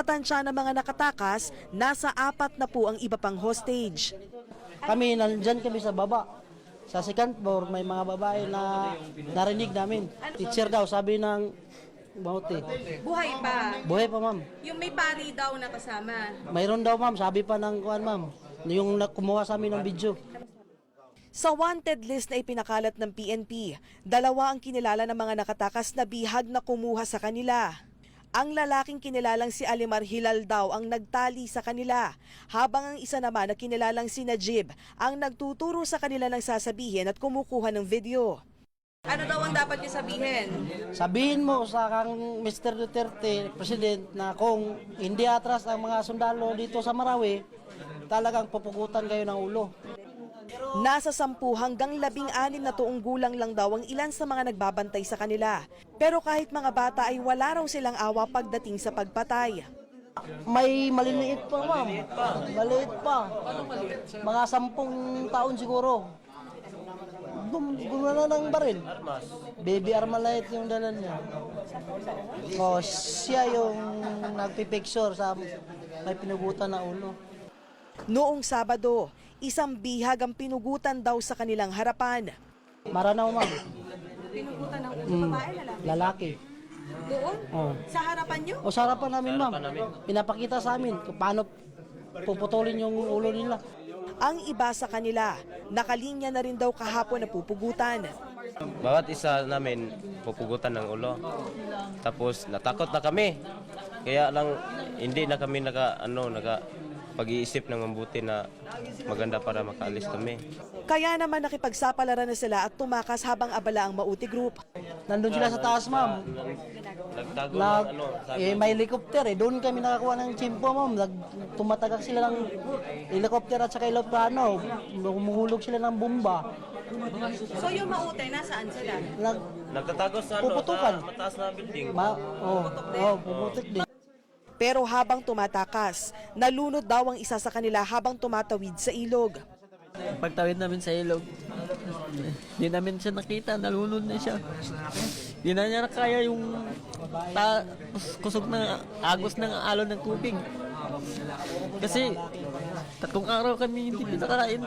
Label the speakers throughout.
Speaker 1: Sa tansya ng mga nakatakas, nasa 4 na po ang iba pang hostage.
Speaker 2: Kami, nandyan kami sa baba. Sa second floor, may mga babae na narinig namin. Teacher daw, sabi ng bauti.
Speaker 3: Buhay pa.
Speaker 2: Buhay pa, ma'am.
Speaker 3: Yung may pari daw na kasama.
Speaker 2: Mayroon daw, ma'am. Sabi pa ng kuwan, ma'am. Yung kumuha sa amin ng video.
Speaker 1: Sa wanted list na ipinakalat ng PNP, 2 ang kinilala ng mga nakatakas na bihag na kumuha sa kanila. Ang lalaking kinilalang si Alimar Hilal daw ang nagtali sa kanila, habang ang isa naman na kinilalang si Najib ang nagtuturo sa kanila ng sasabihin at kumukuha ng video.
Speaker 3: Ano daw ang dapat niyo sabihin?
Speaker 2: Sabihin mo sa kang Mr. Duterte, President, na kung hindi atras ang mga sundalo dito sa Marawi, talagang pupugutan kayo ng ulo.
Speaker 1: Nasa 10 hanggang 16 na tuong gulang lang daw ang ilan sa mga nagbabantay sa kanila. Pero kahit mga bata ay wala raw silang awa pagdating sa pagpatay.
Speaker 2: May maliliit pa, ma'am. Maliit pa. Mga 10 taon siguro. Gumana ng baril. Baby Armalite yung dala niya. O, siya yung nagpipicture sa may pinugutan na ulo.
Speaker 1: Noong Sabado, isang bihag ang pinugutan daw sa kanilang harapan.
Speaker 2: Maranaw, ma'am.
Speaker 3: Pinugutan ng babae,
Speaker 2: Lalaki.
Speaker 3: Doon?
Speaker 2: Oh.
Speaker 3: Sa harapan niyo?
Speaker 2: O, sa harapan namin, ma'am. Pinapakita sa amin kung paano puputulin yung ulo nila.
Speaker 1: Ang iba sa kanila, nakalinya na rin daw kahapon na pupugutan.
Speaker 4: Bawat isa namin pupugutan ng ulo. Tapos natakot na kami. Kaya lang hindi na kami pag-iisip ng mabuti na maganda para makaalis kami.
Speaker 1: Kaya naman nakipagsapalaran na sila at tumakas habang abala ang Mauti Group.
Speaker 2: Nandun sila sa taas, ma'am.
Speaker 4: Nagtago
Speaker 2: May helicopter eh. Doon kami nakakuha ng chimpo, ma'am. Tumatagak sila ng helicopter at saka eroplano. Humuhulog sila ng bomba.
Speaker 3: So yung Mauti, nasaan sila?
Speaker 4: Nagtatago sa
Speaker 2: Puputukan.
Speaker 4: mataas na building.
Speaker 2: Puputik din.
Speaker 1: Pero habang tumatakas, nalunod daw ang isa sa kanila habang tumatawid sa ilog.
Speaker 5: Pagtawid namin sa ilog, di namin siya nakita, nalunod na siya. Di na niya nakaya yung kusog ng agos ng alon ng tubig. Kasi 3 araw kami hindi pinakain.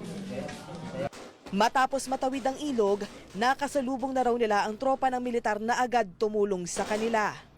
Speaker 1: Matapos matawid ang ilog, nakasalubong na raw nila ang tropa ng militar na agad tumulong sa kanila.